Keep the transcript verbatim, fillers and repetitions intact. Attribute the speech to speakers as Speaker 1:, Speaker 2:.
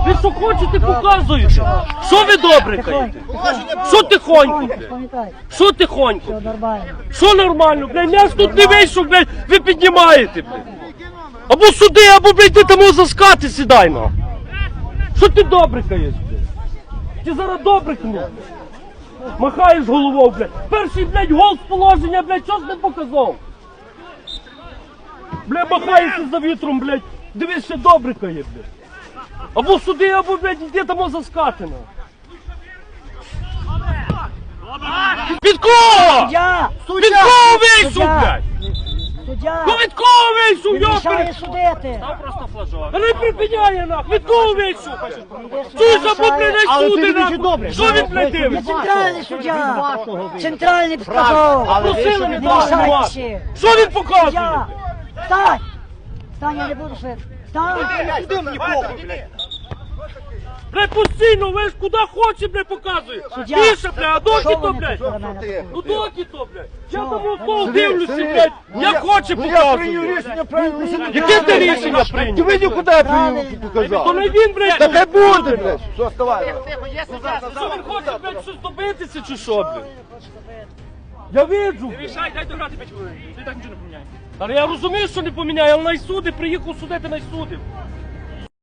Speaker 1: Ви що хочете, показуєте? Що ви добре каєте? Що тихонько, блядь? Що тихонько? Що нормально, блядь? М'яч тут не вийшов, блядь, ви піднімаєте, блядь. Або суди, або, блядь, ти там за скати сідай, на. Що ти добре каєш, блядь? Ти зараз добре кнув. Махаєш головою, блядь. Перший, блядь, гол з положення, блядь, що ж не показав? Блядь, махаєшся за вітром, блядь. Дивись, ще добре кає, блядь. Або суди, або, блядь, йди там за скати, на. Під кого?
Speaker 2: Суддя!
Speaker 1: Під кого вийшов,
Speaker 2: Суддя!
Speaker 1: блядь?
Speaker 2: Суддя!
Speaker 1: Ну від кого вийшов,
Speaker 2: Він мішає
Speaker 1: йопер?
Speaker 2: судити!
Speaker 3: Просто флажок.
Speaker 1: А не припиняє, нах, від кого вийшов? Чуєш, або, блядь, не суди, нахуй. Що він, блядь,
Speaker 2: Він
Speaker 1: дивиться?
Speaker 2: центральний суддя! Центральний сказав!
Speaker 1: Просили не
Speaker 2: Не мішайте
Speaker 1: давати.
Speaker 2: ще!
Speaker 1: Що він показує?
Speaker 2: Суддя! Встань! Встань, я не буду швидко! Встань!
Speaker 1: Блядь, постійно, ви ж куди хоче, блядь, показує.
Speaker 2: Суддя!
Speaker 1: Тише, блядь, а доки
Speaker 2: Що
Speaker 1: то,
Speaker 2: вони
Speaker 1: блядь?
Speaker 2: тут на мене такі?
Speaker 1: Ну доки то, блядь. Я
Speaker 2: Що?
Speaker 1: там у пол дивлюся, блядь. Як хоче показує. Яке ти рішення прийняв?
Speaker 4: Ти видів, куди я
Speaker 2: Правильно.
Speaker 1: То
Speaker 4: показав?
Speaker 1: не він, блядь.
Speaker 4: Та хай буде, блядь. Що, вставай.
Speaker 1: Що він хоче, блядь, щось добитися чи що, блядь? Я виджу.
Speaker 3: Рішай, дай дограти п'ять хвилин. Ти так нічого не поміняє.
Speaker 1: Але я розумію, що не поміняє, але найсуди, приїхав судити, найсудив.